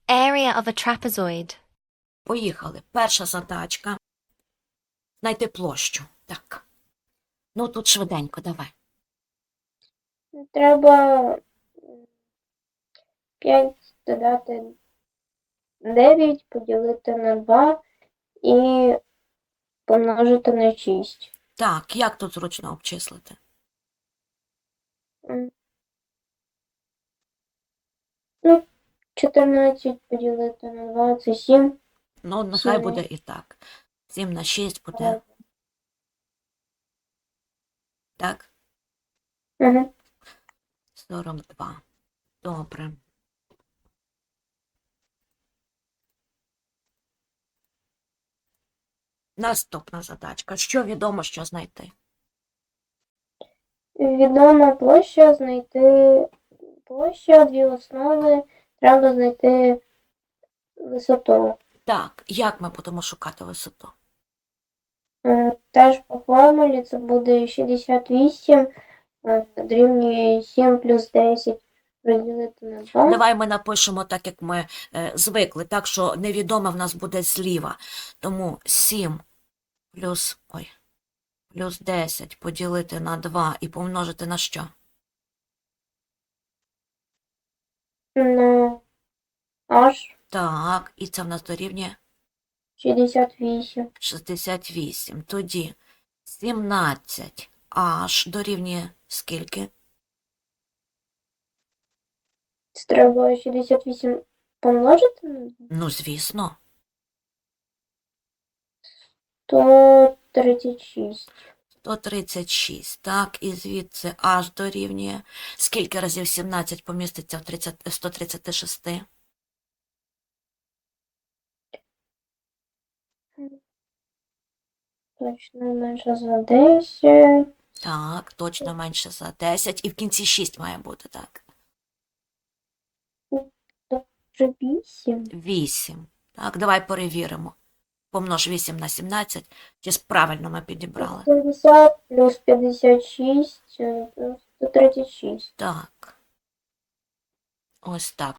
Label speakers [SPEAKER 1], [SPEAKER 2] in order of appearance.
[SPEAKER 1] Area of a trapezoid.
[SPEAKER 2] Поїхали. Перша задачка. Знайти площу. Так. Ну, тут швиденько, давай.
[SPEAKER 3] Треба 5 додати 9, поділити на 2 і помножити на 6.
[SPEAKER 2] Так, як тут зручно обчислити?
[SPEAKER 3] Ну, 14 поділити на 2 – це 7.
[SPEAKER 2] Ну, нехай
[SPEAKER 3] Сім.
[SPEAKER 2] буде і так. 7 на 6 буде. Так?
[SPEAKER 3] Угу.
[SPEAKER 2] 42. Добре. Наступна задачка. Що відомо, що знайти?
[SPEAKER 3] Відома площа, знайти площа, дві основи, треба знайти висоту.
[SPEAKER 2] Так, як ми будемо шукати висоту?
[SPEAKER 3] Теж по формулі це буде 68 дорівнює 7 плюс 10 розділити на 2.
[SPEAKER 2] Давай ми напишемо так, як ми звикли, так, що невідоме в нас буде зліва. Тому 7 плюс 10 поділити на 2 і помножити на що?
[SPEAKER 3] На аж
[SPEAKER 2] Так, і це в нас дорівнює
[SPEAKER 3] 68.
[SPEAKER 2] 68. Тоді 17 аж дорівнює скільки?
[SPEAKER 3] Це треба 68 помножити на 2?
[SPEAKER 2] Ну, звісно.
[SPEAKER 3] 136.
[SPEAKER 2] 136. Так, і звідси аж дорівнює. Скільки разів 17 поміститься в 136?
[SPEAKER 3] Точно менше за 10.
[SPEAKER 2] Так, точно менше за 10. І в кінці 6 має бути, так.
[SPEAKER 3] Вже 8.
[SPEAKER 2] 8. Так, давай перевіримо. Помнож 8 на 17. Чи правильно ми підібрали?
[SPEAKER 3] 70 плюс 56 – 136.
[SPEAKER 2] Так. Ось так.